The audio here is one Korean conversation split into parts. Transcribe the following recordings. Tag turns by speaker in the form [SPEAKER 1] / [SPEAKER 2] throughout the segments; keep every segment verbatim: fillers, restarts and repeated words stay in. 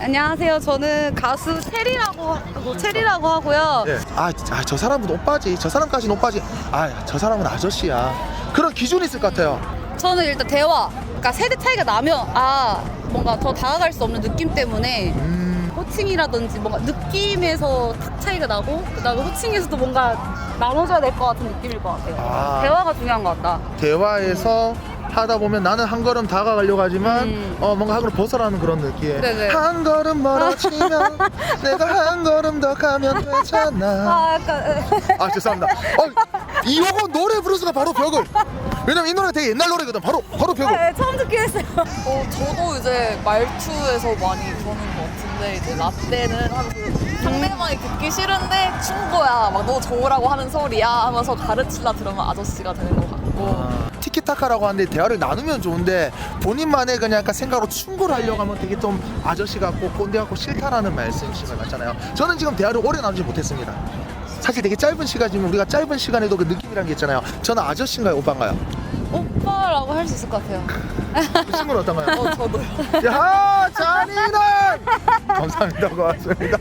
[SPEAKER 1] 안녕하세요. 저는 가수 체리라고 하고 체리라고 하고요.
[SPEAKER 2] 예. 아, 아, 저 사람은 오빠지. 저 사람까지는 오빠지. 아, 저 사람은 아저씨야. 그런 기준이 있을 것 같아요.
[SPEAKER 1] 저는 일단 대화, 그러니까 세대 차이가 나면 아 뭔가 더 다가갈 수 없는 느낌 때문에
[SPEAKER 2] 음,
[SPEAKER 1] 호칭이라든지 뭔가 느낌에서 탁 차이가 나고 그다음에 호칭에서도 뭔가 나눠줘야 될 것 같은 느낌일 것 같아요.
[SPEAKER 2] 아.
[SPEAKER 1] 대화가 중요한 것 같다.
[SPEAKER 2] 대화에서 하다 보면 나는 한 걸음 다가가려고 하지만
[SPEAKER 1] 음.
[SPEAKER 2] 어 뭔가 한 걸음 벗어나는 그런 느낌.
[SPEAKER 1] 네네.
[SPEAKER 2] 한 걸음 멀어지면 내가 한 걸음 더 가면 되잖아.
[SPEAKER 1] 아 약간
[SPEAKER 2] 아 죄송합니다. 어, 이호고 노래 부르스가 바로 벽을. 왜냐면 이 노래 되게 옛날 노래거든. 바로 바로 벽을.
[SPEAKER 1] 네, 처음 듣긴 했어요.
[SPEAKER 3] 어, 저도 이제 말투에서 많이 보는 것 같은데 이제 라떼는 하면서 상대방이 듣기 싫은데 충고야 막 너 저으라고 하는 소리야 하면서 가르치려 들으면 아저씨가 되는 것 같고
[SPEAKER 2] 티키타카라고 하는데 대화를 나누면 좋은데 본인만의 그냥 약간 생각으로 충고를 하려고 하면 되게 좀 아저씨 같고 꼰대 같고 싫다라는 말씀이신 것 같잖아요. 저는 지금 대화를 오래 나누지 못했습니다. 사실 되게 짧은 시간이지만 우리가 짧은 시간에도 그 느낌이란 게 있잖아요. 저는 아저씨인가요 오빠인가요?
[SPEAKER 3] 오빠라고 할 수 있을 것 같아요.
[SPEAKER 2] 그 친구는 어떤가요?
[SPEAKER 3] 어, 저도요.
[SPEAKER 2] 야 잔인한 감사합니다. 고맙습니다.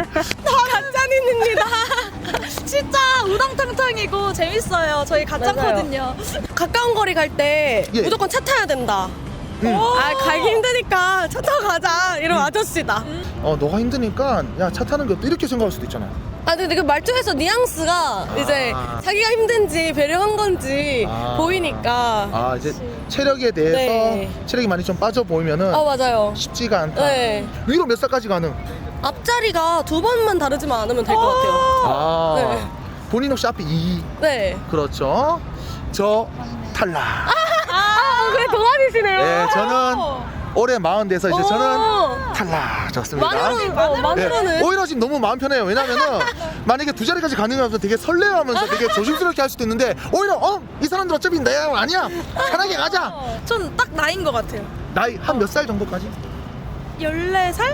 [SPEAKER 4] 가짜님입니다. 진짜 우당탕탕이고 재밌어요. 저희 가짜거든요. 가까운 거리 갈 때
[SPEAKER 2] 예.
[SPEAKER 4] 무조건 차 타야 된다.
[SPEAKER 2] 음.
[SPEAKER 4] 아 가기 힘드니까 차 타고 가자. 이런 아저씨다.
[SPEAKER 2] 어 너가 힘드니까 야 차 타는 게 어때? 이렇게 생각할 수도 있잖아요.
[SPEAKER 4] 아 근데 그 말투에서 뉘앙스가 이제 자기가 힘든지 배려한 건지
[SPEAKER 2] 아.
[SPEAKER 4] 보이니까.
[SPEAKER 2] 아 이제 체력에 대해서
[SPEAKER 4] 네.
[SPEAKER 2] 체력이 많이 좀 빠져 보이면은
[SPEAKER 4] 아 맞아요.
[SPEAKER 2] 쉽지가 않다.
[SPEAKER 4] 네.
[SPEAKER 2] 위로 몇 살까지 가능?
[SPEAKER 4] 앞자리가 두 번만 다르지만 않으면 될 것 같아요.
[SPEAKER 2] 아
[SPEAKER 4] 네.
[SPEAKER 2] 본인 혹시 앞에 이
[SPEAKER 4] 네.
[SPEAKER 2] 그렇죠. 저 탈락.
[SPEAKER 4] 아 그래 동안이시네요.
[SPEAKER 2] 네 저는 올해 마흔 돼서 이제 저는
[SPEAKER 4] 오.
[SPEAKER 2] 탈락. 좋습니다.
[SPEAKER 4] 만으로는 어, 만으로는
[SPEAKER 2] 네, 오히려 지금 너무 마음 편해요. 왜냐면은 만약에 두 자리까지 가능하면 되게 설레하면서 되게 조심스럽게 할 수도 있는데 오히려 어 이 사람들 어차피 내 아니야. 편하게 가자.
[SPEAKER 4] 전 딱 나인 것 같아요.
[SPEAKER 2] 나이 한 몇 살 정도까지?
[SPEAKER 4] 열네 살?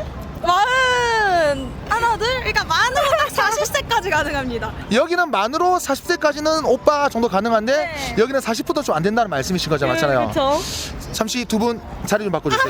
[SPEAKER 4] 마흔 하나 둘? 그러니까 만으로 딱 사십 세까지 가능합니다.
[SPEAKER 2] 여기는 만으로 사십 세까지는 오빠 정도 가능한데
[SPEAKER 4] 네.
[SPEAKER 2] 여기는 사십부터 좀 안 된다는 말씀이신 거죠, 맞잖아요.
[SPEAKER 4] 그렇죠.
[SPEAKER 2] 잠시 두 분 자리 좀 바꿔주세요.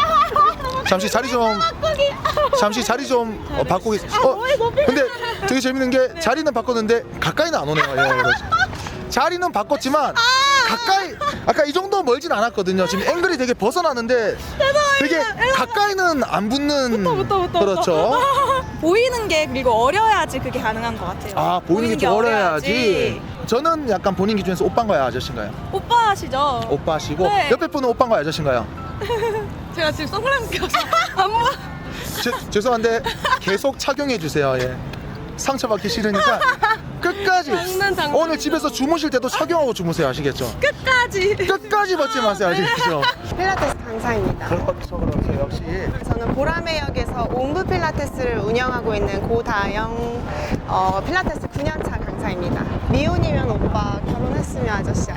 [SPEAKER 2] 잠시 자리 좀 잠시 자리 좀 어, 바꾸기. 어 근데 되게 재밌는 게 자리는 바꿨는데 가까이는 안 오네요. 예, 그렇죠. 자리는 바꿨지만 가까이 아까 이 정도 멀진 않았거든요. 지금 앵글이 되게 벗어나는데 되게 가까이는 안 붙는 그렇죠.
[SPEAKER 5] 보이는 게 그리고 어려야지 그게 가능한 것 같아요.
[SPEAKER 2] 아 보이는 게 좀 어려야지. 저는 약간 본인 기준에서 오빠인가요, 아저씨인가요?
[SPEAKER 5] 오빠시죠?
[SPEAKER 2] 오빠시고
[SPEAKER 5] 네.
[SPEAKER 2] 옆에 분은 오빠인가요, 아저씨인가요?
[SPEAKER 5] 제가 지금 선글라스 껴서 안 보여.
[SPEAKER 2] 제, 죄송한데 계속 착용해 주세요. 예. 상처받기 싫으니까 끝까지
[SPEAKER 4] 장난, 장난.
[SPEAKER 2] 오늘 집에서 주무실 때도 착용하고 주무세요. 아시겠죠?
[SPEAKER 4] 끝까지.
[SPEAKER 2] 끝까지 벗지 마세요. 아시겠죠?
[SPEAKER 6] 필라테스 강사입니다.
[SPEAKER 2] 그렇죠, 그렇죠. 역시
[SPEAKER 6] 저는 보라매역에서 옴브 필라테스를 운영하고 있는 고다영 어, 필라테스 구 년 차 강사입니다. 미혼이면 오빠, 결혼했으면 아저씨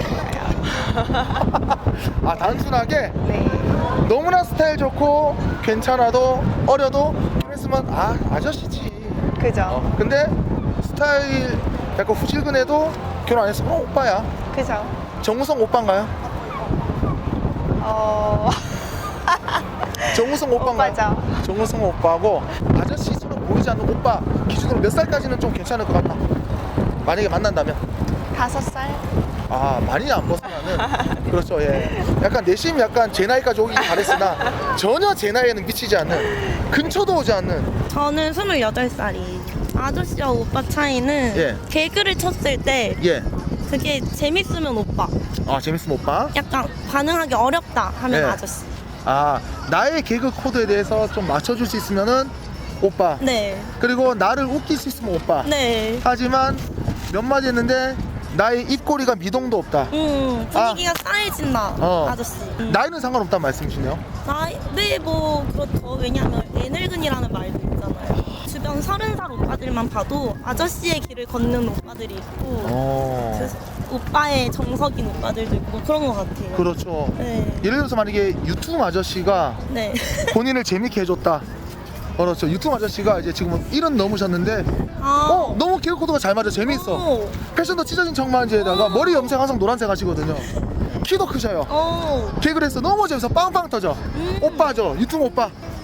[SPEAKER 6] 아닌가요?
[SPEAKER 2] 아 단순하게
[SPEAKER 6] 네.
[SPEAKER 2] 너무나 스타일 좋고 괜찮아도 어려도 그랬으면 아 아저씨지.
[SPEAKER 6] 그죠?
[SPEAKER 2] 어, 근데 스타일 약간 후질근해도 결혼 안 했으면 어, 오빠야.
[SPEAKER 6] 그죠?
[SPEAKER 2] 정우성 오빠인가요?
[SPEAKER 6] 어...
[SPEAKER 2] 정우성 오빠인가요?
[SPEAKER 6] 오빠죠.
[SPEAKER 2] 정우성 오빠하고 아저씨처럼 보이지 않는 오빠 기준으로 몇 살까지는 좀 괜찮을 것 같다. 만약에 만난다면
[SPEAKER 6] 다섯 살?
[SPEAKER 2] 아 많이 안 벗어나는 그렇죠. 예. 약간 내심 약간 제 나이까지 오기 잘했으나 전혀 제 나이에는 미치지 않는 근처도 오지 않는
[SPEAKER 7] 저는 스물여덟 살이 아저씨와 오빠 차이는
[SPEAKER 2] 예.
[SPEAKER 7] 개그를 쳤을 때
[SPEAKER 2] 예.
[SPEAKER 7] 그게 재밌으면 오빠,
[SPEAKER 2] 아 재밌으면 오빠.
[SPEAKER 7] 약간 반응하기 어렵다 하면
[SPEAKER 2] 예.
[SPEAKER 7] 아저씨.
[SPEAKER 2] 아 나의 개그 코드에 대해서 좀 맞춰줄 수 있으면은 오빠.
[SPEAKER 7] 네,
[SPEAKER 2] 그리고 나를 웃길 수 있으면 오빠.
[SPEAKER 7] 네.
[SPEAKER 2] 하지만 몇 마디 했는데 나의 입꼬리가 미동도 없다.
[SPEAKER 7] 음, 분위기가 싸해진다
[SPEAKER 2] 어.
[SPEAKER 7] 아저씨. 음.
[SPEAKER 2] 나이는 상관없다는 말씀이시네요.
[SPEAKER 7] 나이, 네, 뭐 그렇죠. 왜냐면 애늙은이라는 말도 있잖아요. 주변 서른 살 오빠들만 봐도 아저씨의 길을 걷는 오빠들이 있고
[SPEAKER 2] 어.
[SPEAKER 7] 그래서 오빠의 정석인 오빠들도 있고 뭐 그런 것 같아요.
[SPEAKER 2] 그렇죠.
[SPEAKER 7] 네,
[SPEAKER 2] 예를 들어서 만약에 유튜브 아저씨가
[SPEAKER 7] 네.
[SPEAKER 2] 본인을 재밌게 해줬다. 그렇죠. 유튜브 아저씨가 이제 지금 일은 넘으셨는데
[SPEAKER 7] 아,
[SPEAKER 2] 어 너무 개그 코드가 잘 맞아. 재밌어.
[SPEAKER 7] 오.
[SPEAKER 2] 패션도 찢어진 청바지에다가 머리 염색 항상 노란색 하시거든요. 키도 크셔요.
[SPEAKER 7] 오.
[SPEAKER 2] 개그를 해서 너무 재밌어. 빵빵 터져. 오빠죠. 유튜브 오빠.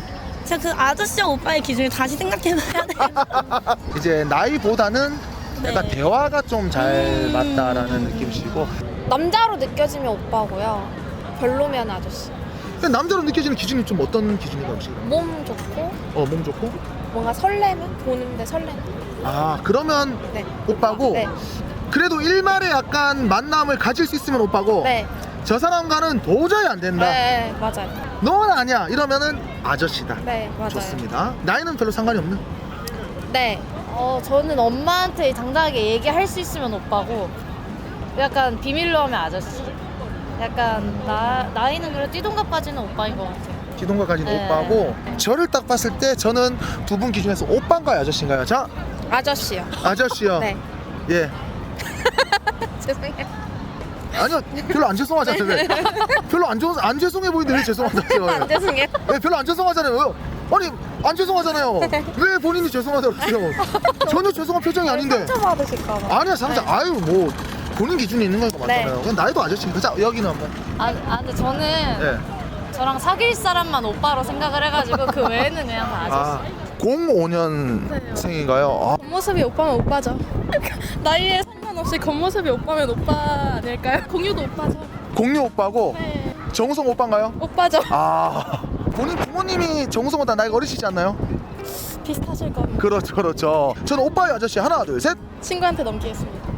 [SPEAKER 7] 제가 그 아저씨와 오빠의 기준을 다시 생각해봐야 돼요.
[SPEAKER 2] 이제 나이보다는
[SPEAKER 7] 네.
[SPEAKER 2] 약간 대화가 좀 잘
[SPEAKER 7] 음.
[SPEAKER 2] 맞다라는 느낌이시고
[SPEAKER 8] 남자로 느껴지면 오빠고요. 별로면 아저씨.
[SPEAKER 2] 근데 남자로 느껴지는 기준이 좀 어떤 기준인가요 혹시?
[SPEAKER 8] 몸 좋고
[SPEAKER 2] 어, 몸 좋고?
[SPEAKER 8] 뭔가 설레는 보는데 설레는.
[SPEAKER 2] 아 그러면
[SPEAKER 8] 네.
[SPEAKER 2] 오빠고
[SPEAKER 8] 네.
[SPEAKER 2] 그래도 일말에 약간 만남을 가질 수 있으면 오빠고
[SPEAKER 8] 네.
[SPEAKER 2] 저 사람과는 도저히 안 된다.
[SPEAKER 8] 네, 맞아요.
[SPEAKER 2] 넌 아니야 이러면은 아저씨다.
[SPEAKER 8] 네, 맞아요.
[SPEAKER 2] 좋습니다. 나이는 별로 상관이 없는?
[SPEAKER 8] 네. 어, 저는 엄마한테 당당하게 얘기할 수 있으면 오빠고 약간 비밀로 하면 아저씨. 약간 나, 나이는 그래도 띠동갑까지는 오빠인 것 같아요.
[SPEAKER 2] 기동과까지는
[SPEAKER 8] 네.
[SPEAKER 2] 오빠고 저를 딱 봤을 때 저는 두 분 기준에서 오빠인가요 아저씨인가요? 자
[SPEAKER 8] 아저씨요.
[SPEAKER 2] 아저씨요.
[SPEAKER 8] 네.
[SPEAKER 2] 예.
[SPEAKER 8] 죄송해요.
[SPEAKER 2] 아니요 별로 안 죄송하잖아요. 왜? 별로 안, 죄, 안 죄송해 보이는데 왜 죄송하다고요?
[SPEAKER 8] 안 죄송해요.
[SPEAKER 2] 네, 별로 안 죄송하잖아요. 아니 안 죄송하잖아요. 왜 본인이 죄송하다고 그러세요? 전혀 죄송한 표정이 아닌데.
[SPEAKER 8] 상처받으실까봐.
[SPEAKER 2] 아니야 상자.
[SPEAKER 8] 네.
[SPEAKER 2] 아유 뭐 본인 기준이 있는 거니까
[SPEAKER 8] 네.
[SPEAKER 2] 맞잖아요. 그냥 나이도 아저씨니까. 자 여기는 한번.
[SPEAKER 8] 아, 아, 근데 저는
[SPEAKER 2] 예.
[SPEAKER 8] 저랑 사귈 사람만 오빠로 생각을 해가지고 그 외에는 그냥 다
[SPEAKER 2] 아
[SPEAKER 8] 아저씨.
[SPEAKER 2] 공오 년생인가요? 아,
[SPEAKER 9] 겉모습이 오빠면 오빠죠. 나이에 상관없이 겉모습이 오빠면 오빠 아닐까요? 공유도 오빠죠.
[SPEAKER 2] 공유 오빠고
[SPEAKER 9] 네.
[SPEAKER 2] 정우성 오빠인가요?
[SPEAKER 9] 오빠죠.
[SPEAKER 2] 아 본인 부모님이 정우성보다 나이가 어리시지 않나요?
[SPEAKER 9] 비슷하실 겁니다.
[SPEAKER 2] 그렇죠 그렇죠. 저는 오빠의 아저씨 하나 둘 셋.
[SPEAKER 9] 친구한테 넘기겠습니다.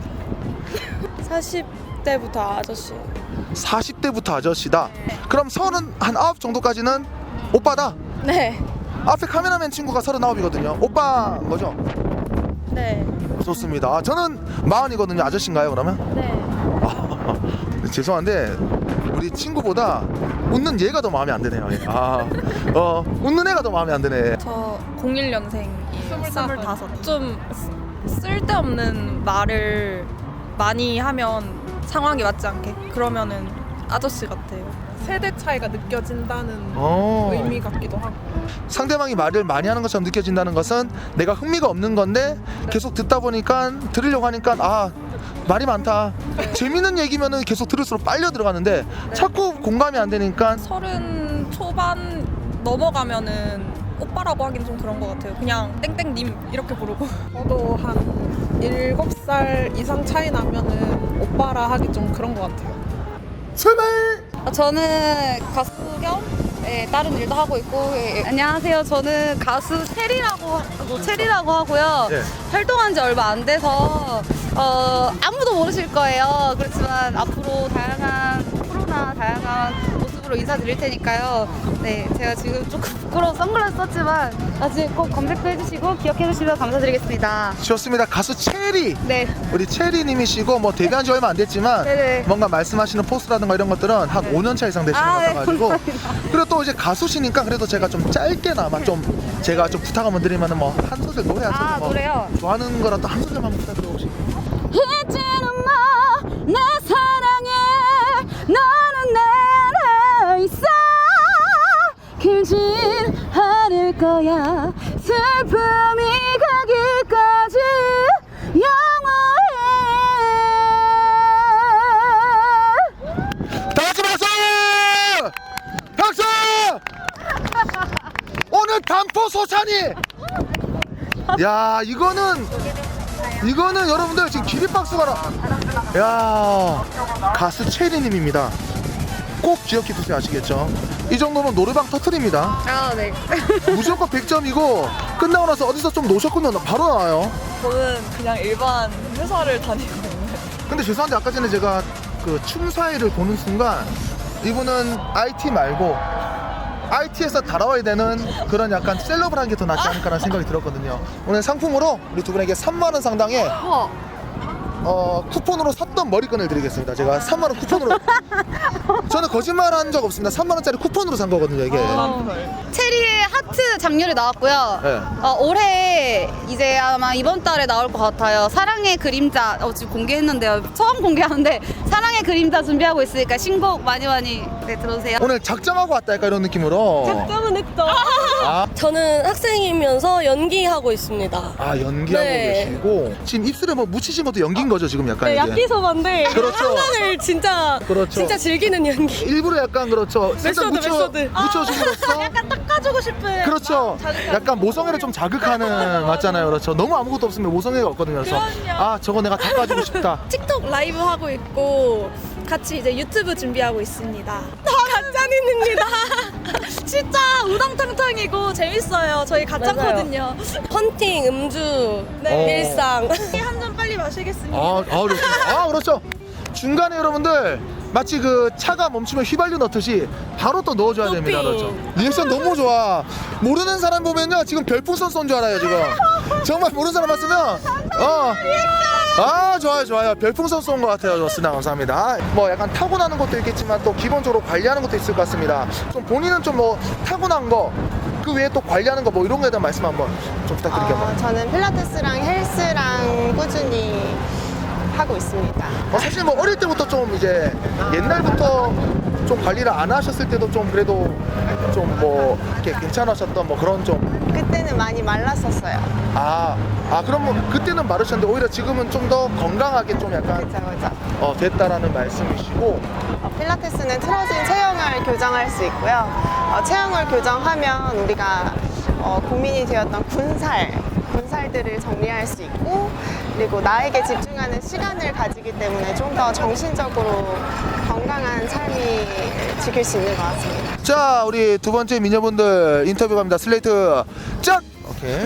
[SPEAKER 9] 사십 대부터 아저씨.
[SPEAKER 2] 사십 대부터 아저씨다. 그럼 서른 한 아홉 정도까지는 오빠다.
[SPEAKER 9] 네.
[SPEAKER 2] 앞에 카메라맨 친구가 서른아홉이거든요. 오빠인 거죠?
[SPEAKER 9] 네.
[SPEAKER 2] 좋습니다. 저는 마흔이거든요. 아저씨인가요 그러면?
[SPEAKER 9] 네.
[SPEAKER 2] 아, 죄송한데 우리 친구보다 웃는 얘가 더 마음에 안 드네요. 예. 아, 어, 웃는 애가 더 마음에 안 드네.
[SPEAKER 5] 저 공일 년생이에요. 스물다섯. 좀 쓰- 쓸데없는 말을 많이 하면 상황이 맞지 않게 그러면은 아저씨 같아요.
[SPEAKER 10] 세대 차이가 느껴진다는
[SPEAKER 2] 어.
[SPEAKER 10] 의미 같기도 하고.
[SPEAKER 2] 상대방이 말을 많이 하는 것처럼 느껴진다는 것은 내가 흥미가 없는 건데 계속 듣다 보니까 들으려고 하니까 아 말이 많다. 재밌는 얘기면은 계속 들을수록 빨려 들어가는데 자꾸 공감이 안 되니까
[SPEAKER 5] 서른 초반 넘어가면은 오빠라고 하긴 좀 그런 것 같아요. 그냥 땡땡님 이렇게 부르고.
[SPEAKER 10] 저도 한 일곱 살 이상 차이 나면은 오빠라 하기 좀 그런 것 같아요.
[SPEAKER 2] 출발!
[SPEAKER 1] 저는 가수 겸 예, 다른 일도 하고 있고 예, 안녕하세요. 저는 가수 체리라고 하고 체리라고 하고요.
[SPEAKER 2] 예.
[SPEAKER 1] 활동한 지 얼마 안 돼서 어, 아무도 모르실 거예요. 그렇지만 앞으로 다양한 프로나 다양한 모습으로 인사드릴 테니까요. 네, 제가 지금 조금 부끄러워 선글라스 썼지만 나중에 꼭 검색도 해주시고 기억해 주시면 감사드리겠습니다.
[SPEAKER 2] 좋습니다. 가수 체리.
[SPEAKER 1] 네,
[SPEAKER 2] 우리 체리님이시고 뭐 데뷔한 지 얼마 안 됐지만
[SPEAKER 1] 네네.
[SPEAKER 2] 뭔가 말씀하시는 포스라든가 이런 것들은 한 오 년 차 이상 되시는
[SPEAKER 1] 아,
[SPEAKER 2] 것
[SPEAKER 1] 네,
[SPEAKER 2] 같아가지고
[SPEAKER 1] 감사합니다.
[SPEAKER 2] 그리고 또 이제 가수시니까 그래도 제가 좀 짧게나마 좀 제가 좀 부탁 한번 드리면은 뭐 한 소절 노래 한 소절
[SPEAKER 1] 아,
[SPEAKER 2] 뭐
[SPEAKER 1] 노래요?
[SPEAKER 2] 좋아하는 거라 또 한 소절만 부탁드려 혹시.
[SPEAKER 1] 이제는 너내 사랑에 너는 내 안에 있어 길진 않을 거야 슬픔이 가기까지 영원해.
[SPEAKER 2] 다 같이 박수! 박수! 오늘 단포 소찬이. 야 이거는 이거는 여러분들 지금 기립박수가 나. 야 가수 체리님입니다. 꼭 기억해 두세요. 아시겠죠? 이 정도면 노래방 터트립니다.
[SPEAKER 1] 아, 네.
[SPEAKER 2] 무조건 백 점이고 끝나고 나서 어디서 좀 노셨군요. 바로 나와요.
[SPEAKER 3] 저는 그냥 일반 회사를 다니고 있는.
[SPEAKER 2] 근데 죄송한데 아까 전에 제가 그 춤사위를 보는 순간 이분은 아이티 말고 아이티에서 달아와야 되는 그런 약간 셀럽을 한 게 더 낫지 않을까라는 생각이 들었거든요. 오늘 상품으로 우리 두 분에게 삼만 원 상당의 어, 쿠폰으로 샀던 머리끈을 드리겠습니다. 제가 삼만 원 쿠폰으로 저는 거짓말 한 적 없습니다. 삼만 원짜리 쿠폰으로 산 거거든요 이게.
[SPEAKER 1] 체리의 하트 작년에 나왔고요.
[SPEAKER 2] 네.
[SPEAKER 1] 어, 올해 이제 아마 이번 달에 나올 것 같아요. 사랑의 그림자 어, 지금 공개했는데요. 처음 공개하는데 사랑의 그림자 준비하고 있으니까 신곡 많이 많이 네, 들어주세요.
[SPEAKER 2] 오늘 작정하고 왔다 할까 이런 느낌으로.
[SPEAKER 7] 작정은 했죠.
[SPEAKER 2] 아,
[SPEAKER 7] 저는 학생이면서 연기하고 있습니다.
[SPEAKER 2] 아 연기하고
[SPEAKER 7] 네.
[SPEAKER 2] 계시고 지금 입술에 뭐 묻히신 것도 연기인 거죠 지금 약간
[SPEAKER 7] 네,
[SPEAKER 2] 이게.
[SPEAKER 7] 야끼소반데
[SPEAKER 2] 그렇죠.
[SPEAKER 7] 상황을 진짜
[SPEAKER 2] 그렇죠.
[SPEAKER 7] 진짜 즐기는 연기.
[SPEAKER 2] 일부러 약간 그렇죠. 살짝
[SPEAKER 7] 메소드,
[SPEAKER 2] 묻혀
[SPEAKER 7] 메소드.
[SPEAKER 2] 묻혀줌으로써
[SPEAKER 1] 약간
[SPEAKER 7] 닦아주고 싶은.
[SPEAKER 2] 그렇죠.
[SPEAKER 7] 마음 자극하는
[SPEAKER 2] 약간
[SPEAKER 7] 거.
[SPEAKER 2] 모성애를 좀 자극하는 맞잖아요. 그렇죠. 너무 아무것도 없으면 모성애가 없거든요. 그래서
[SPEAKER 5] 그럼요.
[SPEAKER 2] 아 저거 내가 닦아주고 싶다.
[SPEAKER 5] 틱톡 라이브 하고 있고 같이 이제 유튜브 준비하고 있습니다. 가짜님입니다. 진짜 우당탕탕이고 재밌어요. 저희 가짜거든요.
[SPEAKER 7] 헌팅, 음주,
[SPEAKER 2] 네.
[SPEAKER 7] 일상.
[SPEAKER 5] 한 잔 빨리 마시겠습니다.
[SPEAKER 2] 아, 아, 그렇죠. 아, 그렇죠. 중간에 여러분들 마치 그 차가 멈추면 휘발유 넣듯이 바로 또 넣어줘야 됩니다. 그렇죠. 리액션 너무 좋아. 모르는 사람 보면요 지금 별풍선 쏜 줄 알아요 지금. 정말 모르는 사람 봤으면 어. 아 좋아요 좋아요 별풍선 쏜 것 같아요. 좋습니다. 감사합니다. 뭐 약간 타고나는 것도 있겠지만 또 기본적으로 관리하는 것도 있을 것 같습니다. 좀 본인은 좀 뭐 타고난 거 그 외에 또 관리하는 거 뭐 이런 거에 대한 말씀 한번 좀 부탁드릴게요.
[SPEAKER 6] 어, 저는 필라테스랑 헬스랑 꾸준히 하고 있습니다.
[SPEAKER 2] 어, 사실 뭐 어릴 때부터 좀 이제 옛날부터 좀 관리를 안 하셨을 때도 좀 그래도 좀 뭐 이렇게 괜찮으셨던 뭐 그런 좀
[SPEAKER 6] 그때는 많이 말랐었어요.
[SPEAKER 2] 아, 아 그럼 뭐 그때는 마르셨는데 오히려 지금은 좀 더 건강하게 좀 약간
[SPEAKER 6] 그죠, 그죠.
[SPEAKER 2] 어, 됐다라는 말씀이시고
[SPEAKER 6] 어, 필라테스는 틀어진 체형을 교정할 수 있고요. 어, 체형을 교정하면 우리가 어, 고민이 되었던 군살, 군살들을 정리할 수 있고 그리고 나에게 집중하는 시간을 가지기 때문에 좀 더 정신적으로 건강한 삶이 지킬 수 있는 것 같습니다.
[SPEAKER 2] 자 우리 두 번째 미녀분들 인터뷰 갑니다. 슬레이트 짝! 오케이.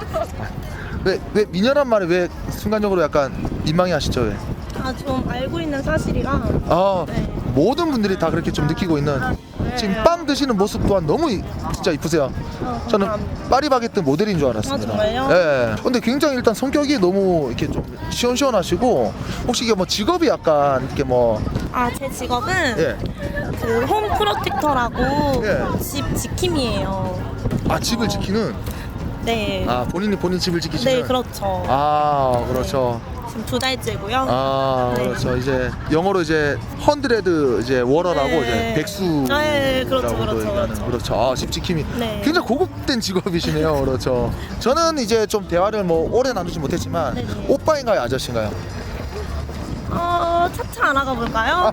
[SPEAKER 2] 왜, 왜 미녀란 말에 왜 순간적으로 약간 민망해 하시죠? 왜?
[SPEAKER 7] 아, 좀 알고 있는 사실이라.
[SPEAKER 2] 아,
[SPEAKER 7] 네.
[SPEAKER 2] 모든 분들이 다 그렇게 좀 느끼고 있는 지금 빵 드시는 모습 또한 너무 이- 진짜 이쁘세요.
[SPEAKER 7] 어,
[SPEAKER 2] 저는
[SPEAKER 7] 감사합니다.
[SPEAKER 2] 파리바게뜨 모델인 줄 알았습니다.
[SPEAKER 7] 아, 정말요?
[SPEAKER 2] 예. 근데 굉장히 일단 성격이 너무 이렇게 좀 시원시원하시고 혹시 이게 뭐 직업이 약간 이렇게 뭐
[SPEAKER 7] 아, 제 직업은
[SPEAKER 2] 예.
[SPEAKER 7] 그 홈 프로텍터라고
[SPEAKER 2] 예.
[SPEAKER 7] 집 지킴이에요.
[SPEAKER 2] 아 집을 지키는
[SPEAKER 7] 네.
[SPEAKER 2] 아 본인이 본인 집을 지키시는
[SPEAKER 7] 네, 그렇죠.
[SPEAKER 2] 아 그렇죠.
[SPEAKER 7] 지금 두 달째고요.
[SPEAKER 2] 아
[SPEAKER 7] 네.
[SPEAKER 2] 그렇죠. 이제 영어로 이제 헌드레드 이제 워러라고
[SPEAKER 7] 네.
[SPEAKER 2] 이제 백수라고
[SPEAKER 7] 네, 그렇죠, 그렇죠,
[SPEAKER 2] 얘기하는
[SPEAKER 7] 그렇죠.
[SPEAKER 2] 그렇죠. 아, 집 지킴이
[SPEAKER 7] 네.
[SPEAKER 2] 굉장히 고급된 직업이시네요. 그렇죠. 저는 이제 좀 대화를 뭐 오래 나누지 못했지만
[SPEAKER 7] 네네.
[SPEAKER 2] 오빠인가요, 아저씨인가요?
[SPEAKER 7] 어, 차차 알아가 볼까요?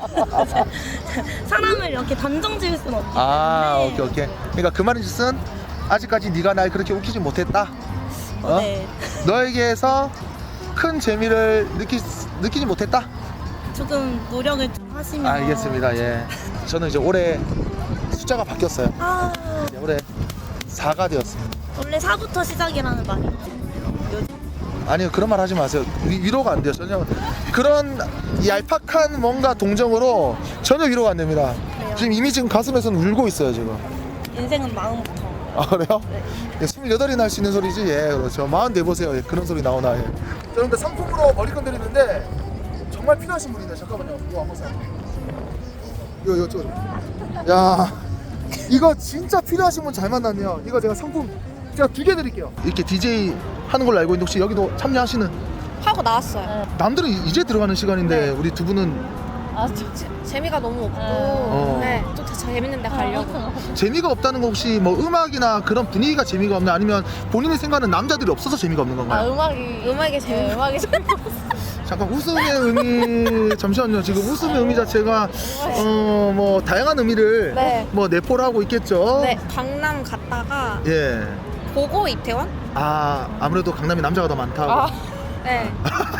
[SPEAKER 7] 사람을 이렇게 단정 지을 수는 없기
[SPEAKER 2] 아
[SPEAKER 7] 때문에.
[SPEAKER 2] 오케이 오케이. 그러니까 그 말인즉슨 아직까지 네가 날 그렇게 웃기지 못했다. 어?
[SPEAKER 7] 네.
[SPEAKER 2] 너에게서 큰 재미를 느끼 느끼지 못했다.
[SPEAKER 7] 조금 노력을 좀 하시면.
[SPEAKER 2] 알겠습니다. 예. 저는 이제 올해 숫자가 바뀌었어요.
[SPEAKER 7] 아,
[SPEAKER 2] 이제 올해 사가 되었습니다.
[SPEAKER 7] 원래 사부터 시작이라는 말이 있거든요. 요즘
[SPEAKER 2] 아니요 그런 말 하지 마세요. 위, 위로가 안 돼요. 전혀 그런 얄팍한 뭔가 동정으로 전혀 위로가 안 됩니다.
[SPEAKER 7] 그래요?
[SPEAKER 2] 지금 이미 지금 가슴에서는 울고 있어요 지금.
[SPEAKER 7] 인생은 마음부터.
[SPEAKER 2] 아 그래요?
[SPEAKER 7] 네.
[SPEAKER 2] 예, 스물여덟이나 할 수 있는 소리지. 예 그렇죠. 마흔네 보세요. 예, 그런 소리 나오나. 예. 여러분들 상품으로 머리끈 드리는데 정말 필요하신 분인데 잠깐만요. 이거 한번 사. 이거 이거 저. 야 이거 진짜 필요하신 분 잘 만났네요. 이거 제가 상품 제가 두 개 드릴게요. 이렇게 디제이 하는 걸로 알고 있는데 혹시 여기도 참여하시는?
[SPEAKER 5] 하고 나왔어요.
[SPEAKER 2] 남들은 이제 들어가는 시간인데 우리 두 분은
[SPEAKER 8] 아, 저, 재- 재미가 너무 없고
[SPEAKER 2] 어.
[SPEAKER 8] 네, 좀 더 재밌는데 가려고.
[SPEAKER 2] 재미가 없다는 거 혹시 뭐 음악이나 그런 분위기가 재미가 없나 아니면 본인의 생각은 남자들이 없어서 재미가 없는
[SPEAKER 8] 아,
[SPEAKER 2] 건가요?
[SPEAKER 8] 음악이 음악이 재미 음악이 재미.
[SPEAKER 2] 잠깐 웃음의 의미 잠시만요. 지금 웃음의 의미 자체가 어 뭐 다양한 의미를
[SPEAKER 8] 네.
[SPEAKER 2] 뭐 내포를 하고 있겠죠.
[SPEAKER 5] 네, 강남 갔다가
[SPEAKER 2] 예.
[SPEAKER 5] 보고 이태원?
[SPEAKER 2] 아 아무래도 강남이 남자가 더 많다고.
[SPEAKER 8] 아.
[SPEAKER 5] 네.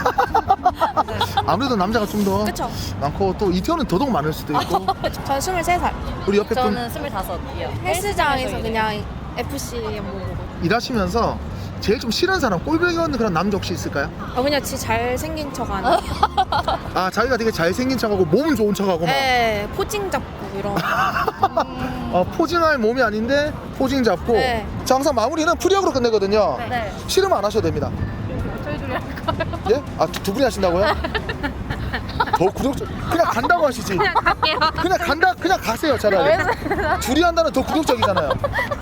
[SPEAKER 2] 아무래도 남자가 좀 더
[SPEAKER 5] 그쵸.
[SPEAKER 2] 많고 또 이태원은 더더욱 많을 수도 있고.
[SPEAKER 5] 전 스물세 살.
[SPEAKER 2] 우리 옆에 분
[SPEAKER 8] 저는 스물다섯이요.
[SPEAKER 5] 헬스장에서 그냥 에프씨 뭐 보고.
[SPEAKER 2] 일하시면서 제일 좀 싫은 사람 꼴보기 없는 그런 남자 혹시 있을까요?
[SPEAKER 5] 아, 그냥 지 잘생긴 척 안 해.
[SPEAKER 2] 아 자기가 되게 잘생긴 척하고 몸 좋은 척하고 막
[SPEAKER 5] 네, 포징 잡고 이런.
[SPEAKER 2] 어, 포징할 몸이 아닌데 포징 잡고.
[SPEAKER 5] 네.
[SPEAKER 2] 자 항상 마무리는 프리하고로 끝내거든요.
[SPEAKER 8] 네.
[SPEAKER 2] 싫으면 안 하셔도 됩니다.
[SPEAKER 8] 저희 둘이 할까요?
[SPEAKER 2] 예? 아 두 분이 하신다고요? 더 구독자 그냥 간다고 하시지.
[SPEAKER 8] 그냥 갈게요.
[SPEAKER 2] 그냥 간다 그냥 가세요 차라리. 둘이 한다는 더 구독적이잖아요.